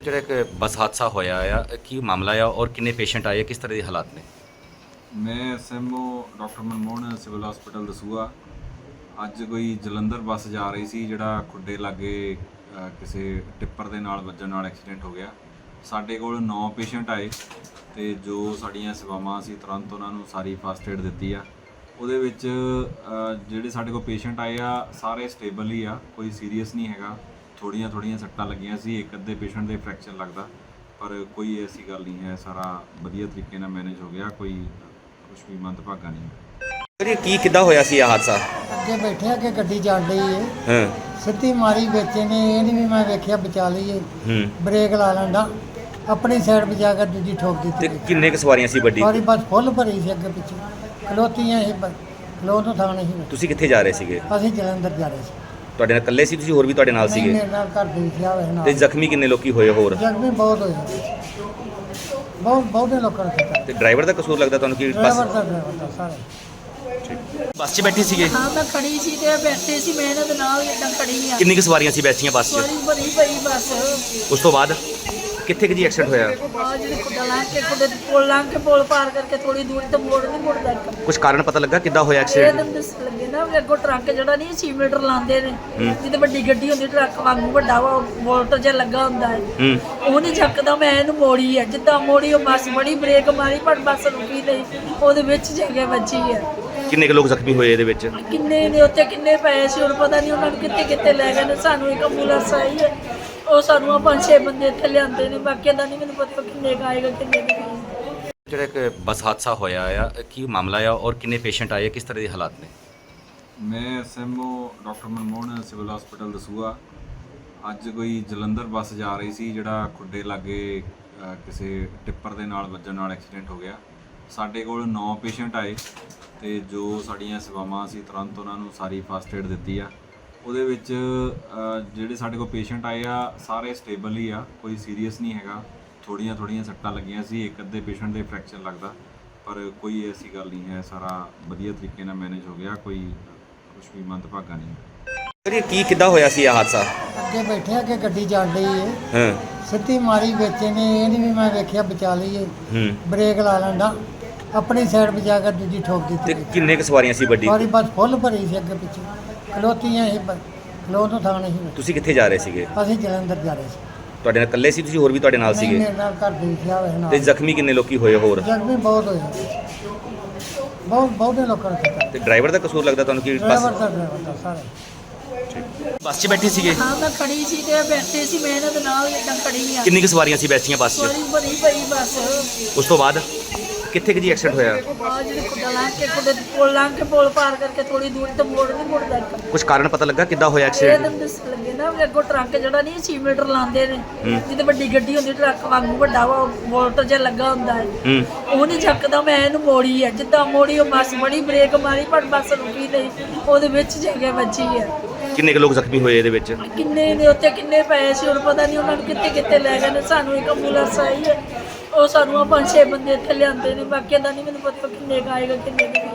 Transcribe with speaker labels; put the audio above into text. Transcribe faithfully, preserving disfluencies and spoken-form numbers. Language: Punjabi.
Speaker 1: ਜਿਹੜਾ ਇੱਕ ਬੱਸ ਹਾਦਸਾ ਹੋਇਆ ਆ ਕੀ ਮਾਮਲਾ ਆ ਔਰ ਕਿੰਨੇ ਪੇਸ਼ੈਂਟ ਆਏ ਕਿਸ ਤਰ੍ਹਾਂ ਦੇ ਹਾਲਾਤ ਨੇ।
Speaker 2: मैं S M O doctor Manmohan civil hospital Dasuya ਅੱਜ ਕੋਈ ਜਲੰਧਰ ਬੱਸ ਜਾ ਰਹੀ ਸੀ ਜਿਹੜਾ ਖੁੱਡੇ ਲਾਗੇ ਅ, ਕਿਸੇ ਟਿੱਪਰ ਦੇ ਨਾਲ ਵੱਜਣ ਨਾਲ ਐਕਸੀਡੈਂਟ ਹੋ ਗਿਆ। ਸਾਡੇ ਕੋਲ ਨੌ ਪੇਸ਼ੈਂਟ ਆਏ ਤੇ ਜੋ ਸਾਡੀਆਂ ਸੇਵਾਵਾਂ ਸੀ ਤੁਰੰਤ ਉਹਨਾਂ ਨੂੰ ਸਾਰੀ ਫਸਟ ਏਡ ਦਿੱਤੀ ਆ। ਉਹਦੇ ਵਿੱਚ ਅ, ਜਿਹੜੇ ਸਾਡੇ ਕੋਲ ਪੇਸ਼ੈਂਟ ਆਏ ਆ ਸਾਰੇ ਸਟੇਬਲ ਹੀ ਆ, ਕੋਈ ਸੀਰੀਅਸ ਨਹੀਂ ਹੈਗਾ। ਥੋੜੀਆਂ ਥੋੜੀਆਂ ਸੱਟਾਂ ਲੱਗੀਆਂ ਸੀ, ਇੱਕ ਅੱਧੇ ਪੇਸ਼ੈਂਟ ਦੇ ਫ੍ਰੈਕਚਰ ਲੱਗਦਾ, ਪਰ ਕੋਈ ਐਸੀ ਗੱਲ ਨਹੀਂ ਹੈ। ਸਾਰਾ ਵਧੀਆ ਤਰੀਕੇ ਨਾਲ ਮੈਨੇਜ ਹੋ ਗਿਆ, ਕੋਈ ਕੁਝ ਵੀ ਮੰਦਭਾਗਾ ਨਹੀਂ।
Speaker 1: ਇਹ ਕੀ ਕਿੱਦਾਂ ਹੋਇਆ ਸੀ ਇਹ ਹਾਦਸਾ?
Speaker 3: ਅੱਗੇ ਬੈਠਿਆ ਕਿ ਗੱਡੀ ਚੱਲ ਰਹੀ ਏ,
Speaker 1: ਹਾਂ
Speaker 3: ਸਿੱਧੀ ਮਾਰੀ ਵਿੱਚ ਨੇ, ਇਹ ਨਹੀਂ ਵੀ ਮੈਂ ਵੇਖਿਆ ਬਚਾ ਲਈਏ,
Speaker 1: ਹੂੰ
Speaker 3: ਬ੍ਰੇਕ ਲਾ ਲੈਂਦਾ, ਆਪਣੀ ਸਾਈਡ ਬਚਾ ਕੇ ਦੂਜੀ ਠੋਕ
Speaker 1: ਤੇ
Speaker 3: ਦਿੱਤੀ।
Speaker 1: ਕਿੰਨੇ ਕੁ ਸਵਾਰੀਆਂ ਸੀ ਵੱਡੀ?
Speaker 3: ਸਾਰੀ ਬੱਸ ਫੁੱਲ ਭਰੀ ਸੀ, ਅੱਗੇ ਪਿੱਛੇ ਖਲੋਤੀਆਂ ਸੀ, ਖਲੋ ਤੋਂ ਥਾਂ ਨਹੀਂ ਸੀ।
Speaker 1: ਤੁਸੀਂ ਕਿੱਥੇ ਜਾ ਰਹੇ ਸੀਗੇ?
Speaker 3: ਅਸੀਂ ਜਲੰਧਰ ਜਾ ਰਹੇ ਸੀ।
Speaker 1: ਤੁਹਾਡੇ ਨਾਲ ਇਕੱਲੇ ਸੀ ਤੁਸੀਂ ਹੋਰ ਵੀ ਤੁਹਾਡੇ ਨਾਲ
Speaker 3: ਨਹੀਂ,
Speaker 1: ਸੀਗੇ?
Speaker 3: ਮੇਰੇ ਨਾਲ ਘਰ ਦੇ ਵਿੱਚ ਆ ਹੋਏ
Speaker 1: ਤੇ
Speaker 3: ਨਾਲ।
Speaker 1: ਜ਼ਖਮੀ ਕਿੰਨੇ ਲੋਕੀ ਹੋਏ ਹੋਰ?
Speaker 3: ਜ਼ਖਮੀ ਬਹੁਤ ਹੋਏ, ਬਹੁਤ ਬਹੁਤੇ ਲੋਕਾਂ ਨੇ ਕੀਤਾ।
Speaker 1: ਤੇ ਡਰਾਈਵਰ ਦਾ ਕਸੂਰ ਲੱਗਦਾ ਤੁਹਾਨੂੰ ਕਿ
Speaker 3: ਡਰਾਈਵਰ
Speaker 1: ਬੱਸ
Speaker 3: ਦਾ ਡਰਾਈਵਰ ਦਾ ਸਾਰੇ
Speaker 1: ਬੱਸ 'ਚ ਬੈਠੇ ਸੀਗੇ?
Speaker 4: ਹਾਂ ਮੈਂ ਖੜੀ ਸੀ ਤੇ ਬੈਠੇ ਸੀ, ਮੈਂ ਇਹਨਾਂ ਦੇ ਨਾਲ ਇਦਾਂ ਖੜੀ ਆ।
Speaker 1: ਕਿੰਨੀ ਕੁ ਸਵਾਰੀਆਂ ਸੀ ਬੈਠੀਆਂ ਬੱਸ 'ਚ?
Speaker 4: ਬੜੀ ਬੜੀ ਪਈ ਬੱਸ
Speaker 1: ਉਸ ਤੋਂ ਬਾਅਦ ਕਿੱਥੇ ਕਿ ਜੀ ਐਕਸੀਡੈਂਟ ਹੋਇਆ?
Speaker 4: ਆ ਜਿਹੜੀ ਖੁੱਡਾ ਲੰਘ ਕੇ ਖੁੱਡੇ ਤੇ ਪੁਲ ਲੰਘ ਕੇ ਪੁਲ ਪਾਰ ਕਰਕੇ ਥੋੜੀ ਦੂਰ ਤੇ ਮੋੜ ਨਹੀਂ ਮੁੜਦਾ ਇੱਕ।
Speaker 1: ਕੁਝ ਕਾਰਨ ਪਤਾ ਲੱਗਾ ਕਿੱਦਾਂ ਹੋਇਆ
Speaker 4: ਇਹ
Speaker 1: ਐਕਸੀਡੈਂਟ?
Speaker 4: ਤਾਂ ਦੱਸ ਲੱਗੇ ਨਾ ਵੀ ਅੱਗੋਂ ਟਰੱਕ ਜਿਹੜਾ ਨਹੀਂ ਛੇ ਮੀਟਰ ਲਾਉਂਦੇ ਨੇ, ਜਿਹਦੇ ਵੱਡੀ ਗੱਡੀ ਹੁੰਦੀ ਟਰੱਕ ਵਾਂਗੂ ਵੱਡਾ ਵਾ ਵੋਲਟ ਜਿਹਾ ਲੱਗਾ ਹੁੰਦਾ ਹੈ,
Speaker 1: ਹੂੰ
Speaker 4: ਉਹ ਨਹੀਂ ਚੱਕਦਾ। ਮੈਂ ਇਹਨੂੰ ਮੋੜੀ ਹੈ, ਜਿੱਦਾਂ ਮੋੜੀ ਉਹ ਬੱਸ ਬੜੀ ਬ੍ਰੇਕ ਮਾਰੀ ਪਰ ਬੱਸ ਰੁਕੀ ਨਹੀਂ, ਉਹਦੇ ਵਿੱਚ ਜਗ੍ਹਾ ਵੱਜੀ ਹੈ।
Speaker 1: ਕਿੰਨੇ ਕੁ ਲੋਕ ਜ਼ਖਮੀ ਹੋਏ ਇਹਦੇ ਵਿੱਚ?
Speaker 4: ਕਿੰਨੇ ਨੇ ਉੱਥੇ ਕਿੰਨੇ ਪਏ ਸੀ ਹੁਣ ਪਤਾ ਨਹੀਂ, ਉਹਨਾਂ ਨੂੰ ਕਿੱਥੇ ਕਿੱਥੇ ਲੈ ਗਏ ਨੇ। ਸਾਨੂੰ ਇੱਕ ਐਂਬੂਲੈਂਸ ਆਈ ਹੈ, ਉਹ ਸਾਨੂੰ ਆ ਪੰਜ ਛੇ ਬੰਦੇ ਇੱਥੇ ਲਿਆਂਦੇ ਨੇ, ਬਾਕੀ ਦਾ ਨਹੀਂ ਮੈਨੂੰ ਪਤਾ ਕਿੰਨੇ ਕੁ ਆਏਗਾ ਕਿੰਨੇ ਕੁ ਨਹੀਂ।
Speaker 1: ਜਿਹੜਾ ਇੱਕ ਬੱਸ ਹਾਦਸਾ ਹੋਇਆ ਆ ਕੀ ਮਾਮਲਾ ਆ ਔਰ ਕਿੰਨੇ ਪੇਸ਼ੈਂਟ ਆਏ ਕਿਸ ਤਰ੍ਹਾਂ ਦੇ ਹਾਲਾਤ ਨੇ?
Speaker 2: ਮੈਂ S M O doctor Manmohan civil hospital Dasuya ਅੱਜ ਕੋਈ ਜਲੰਧਰ ਬੱਸ ਜਾ ਰਹੀ ਸੀ ਜਿਹੜਾ ਖੁੱਡੇ ਲਾਗੇ ਅ, ਕਿਸੇ ਟਿੱਪਰ ਦੇ ਨਾਲ ਵੱਜਣ ਨਾਲ ਐਕਸੀਡੈਂਟ ਹੋ ਗਿਆ। ਸਾਡੇ ਕੋਲ ਨੌ ਪੇਸ਼ੈਂਟ ਆਏ ਤੇ ਜੋ ਸਾਡੀਆਂ ਸੇਵਾਵਾਂ ਸੀ ਤੁਰੰਤ ਉਹਨਾਂ ਨੂੰ ਸਾਰੀ ਫਸਟ ਏਡ ਦਿੱਤੀ ਆ। ਉਹਦੇ ਵਿੱਚ ਅ, ਜਿਹੜੇ ਸਾਡੇ ਕੋਲ ਪੇਸ਼ੈਂਟ ਆਏ ਆ ਸਾਰੇ ਸਟੇਬਲ ਹੀ ਆ, ਕੋਈ ਸੀਰੀਅਸ ਨਹੀਂ ਹੈਗਾ। ਥੋੜੀਆਂ ਥੋੜੀਆਂ ਸੱਟਾਂ ਲੱਗੀਆਂ ਸੀ, ਇੱਕ ਅੱਧੇ ਪੇਸ਼ੈਂਟ ਦੇ ਫ੍ਰੈਕਚਰ ਲੱਗਦਾ, ਪਰ ਕੋਈ ਐਸੀ ਗੱਲ ਨਹੀਂ ਹੈ। ਸਾਰਾ ਵਧੀਆ ਤਰੀਕੇ ਨਾਲ ਮੈਨੇਜ ਹੋ ਗਿਆ, ਕੋਈ ਕੁਝ ਵੀ ਮੰਦਭਾਗਾ ਨਹੀਂ।
Speaker 1: ਇਹ ਕੀ ਕਿੱਦਾਂ ਹੋਇਆ ਸੀ ਇਹ ਹਾਦਸਾ?
Speaker 3: ਅੱਗੇ ਬੈਠਿਆ ਕਿ ਗੱਡੀ ਚੱਲ ਰਹੀ ਏ,
Speaker 1: ਹਾਂ
Speaker 3: ਸਿੱਧੀ ਮਾਰੀ ਵਿੱਚ ਨੇ, ਇਹ ਨਹੀਂ ਵੀ ਮੈਂ ਵੇਖਿਆ ਬਚਾ ਲਈਏ,
Speaker 1: ਹੂੰ
Speaker 3: ਬ੍ਰੇਕ ਲਾ ਲੈਂਦਾ, ਆਪਣੀ ਸਾਈਡ ਬਚਾ ਕੇ ਦੂਜੀ ਠੋਕ
Speaker 1: ਤੇ
Speaker 3: ਦਿੱਤੀ।
Speaker 1: ਕਿੰਨੇ ਕੁ ਸਵਾਰੀਆਂ ਸੀ ਵੱਡੀ?
Speaker 3: ਸਾਰੀ ਬੱਸ ਫੁੱਲ ਭਰੀ ਸੀ, ਅੱਗੇ ਪਿੱਛੇ ਖਲੋਤੀਆਂ ਸੀ, ਖਲੋ ਤੋਂ ਥਾਂ ਨਹੀਂ ਸੀ।
Speaker 1: ਤੁਸੀਂ ਕਿੱਥੇ ਜਾ ਰਹੇ ਸੀਗੇ?
Speaker 3: ਅਸੀਂ ਜਲੰਧਰ ਜਾ ਰਹੇ ਸੀ।
Speaker 1: ਤੁਹਾਡੇ ਨਾਲ ਇਕੱਲੇ ਸੀ ਤੁਸੀਂ ਹੋਰ ਵੀ ਤੁਹਾਡੇ ਨਾਲ
Speaker 3: ਨਹੀਂ,
Speaker 1: ਸੀਗੇ?
Speaker 3: ਮੇਰੇ ਨਾਲ ਘਰ ਦੇ ਵਿੱਚ ਆ ਹੋਏ
Speaker 1: ਤੇ
Speaker 3: ਨਾਲ।
Speaker 1: ਜ਼ਖਮੀ ਕਿੰਨੇ ਲੋਕੀ ਹੋਏ ਹੋਰ?
Speaker 3: ਜ਼ਖਮੀ ਬਹੁਤ ਹੋਏ, ਬਹੁਤ ਬਹੁਤੇ ਲੋਕਾਂ ਨੇ ਕੀਤਾ।
Speaker 1: ਤੇ ਡਰਾਈਵਰ ਦਾ ਕਸੂਰ ਲੱਗਦਾ ਤੁਹਾਨੂੰ ਕਿ
Speaker 3: ਡਰਾਈਵਰ
Speaker 1: ਬੱਸ
Speaker 3: ਦਾ ਡਰਾਈਵਰ ਦਾ ਸਾਰੇ
Speaker 1: ਬੱਸ 'ਚ ਬੈਠੇ ਸੀਗੇ?
Speaker 4: ਹਾਂ ਮੈਂ ਖੜੀ ਸੀ ਤੇ ਬੈਠੇ ਸੀ, ਮੈਂ ਇਹਨਾਂ ਦੇ ਨਾਲ ਇਦਾਂ ਖੜੀ ਆ।
Speaker 1: ਕਿੰਨੀ ਕੁ ਸਵਾਰੀਆਂ ਸੀ ਬੈਠੀਆਂ ਬੱਸ 'ਚ?
Speaker 4: ਬੜੀ ਬੜੀ ਪਈ ਬੱਸ
Speaker 1: ਉਸ ਤੋਂ ਬਾਅਦ ਕਿੱਥੇ ਕਿ ਜੀ ਐਕਸੀਡੈਂਟ ਹੋਇਆ?
Speaker 4: ਆ ਜਿਹੜੀ ਖੁੱਡਾ ਲੰਘ ਕੇ ਖੁੱਡੇ ਤੇ ਪੁਲ ਲੰਘ ਕੇ ਪੁਲ ਪਾਰ ਕਰਕੇ ਥੋੜੀ ਦੂਰ ਤੇ ਮੋੜ ਨਹੀਂ ਮੁੜਦਾ ਇੱਕ।
Speaker 1: ਕੁਝ ਕਾਰਨ ਪਤਾ ਲੱਗਾ ਕਿੱਦਾਂ ਹੋਇਆ
Speaker 4: ਇਹ
Speaker 1: ਐਕਸੀਡੈਂਟ?
Speaker 4: ਤਾਂ ਦੱਸ ਲੱਗੇ ਨਾ ਵੀ ਅੱਗੋਂ ਟਰੱਕ ਜਿਹੜਾ ਨਹੀਂ ਛੇ ਮੀਟਰ ਲਾਉਂਦੇ ਨੇ, ਜਿਹਦੇ ਵੱਡੀ ਗੱਡੀ ਹੁੰਦੀ ਟਰੱਕ ਵਾਂਗੂ ਵੱਡਾ ਵਾ ਵੋਲਟ ਜਿਹਾ ਲੱਗਾ ਹੁੰਦਾ ਹੈ,
Speaker 1: ਹੂੰ
Speaker 4: ਉਹ ਨਹੀਂ ਚੱਕਦਾ। ਮੈਂ ਇਹਨੂੰ ਮੋੜੀ ਹੈ, ਜਿੱਦਾਂ ਮੋੜੀ ਉਹ ਬੱਸ ਬੜੀ ਬ੍ਰੇਕ ਮਾਰੀ ਪਰ ਬੱਸ ਰੁਕੀ ਨਹੀਂ, ਉਹਦੇ ਵਿੱਚ ਜਗ੍ਹਾ ਵੱਜੀ ਹੈ।
Speaker 1: ਕਿੰਨੇ ਕੁ ਲੋਕ ਜ਼ਖਮੀ ਹੋਏ ਇਹਦੇ ਵਿੱਚ?
Speaker 4: ਕਿੰਨੇ ਨੇ ਉੱਥੇ ਕਿੰਨੇ ਪਏ ਸੀ ਹੁਣ ਪਤਾ ਨਹੀਂ, ਉਹਨਾਂ ਨੂੰ ਕਿੱਥੇ ਕਿੱਥੇ ਲੈ ਗਏ ਨੇ। ਸਾਨੂੰ ਇੱਕ ਐਂਬੂਲੈਂਸ ਆਈ ਹੈ, ਉਹ ਸਾਨੂੰ ਆ ਪੰਜ ਛੇ ਬੰਦੇ ਇੱਥੇ ਲਿਆਂਦੇ ਨੇ, ਬਾਕੀ ਦਾ ਨਹੀਂ ਮੈਨੂੰ ਪਤਾ ਕਿੰਨੇ ਕੁ ਆਏਗਾ ਕਿੰਨੇ ਕੁ ਨਹੀਂ।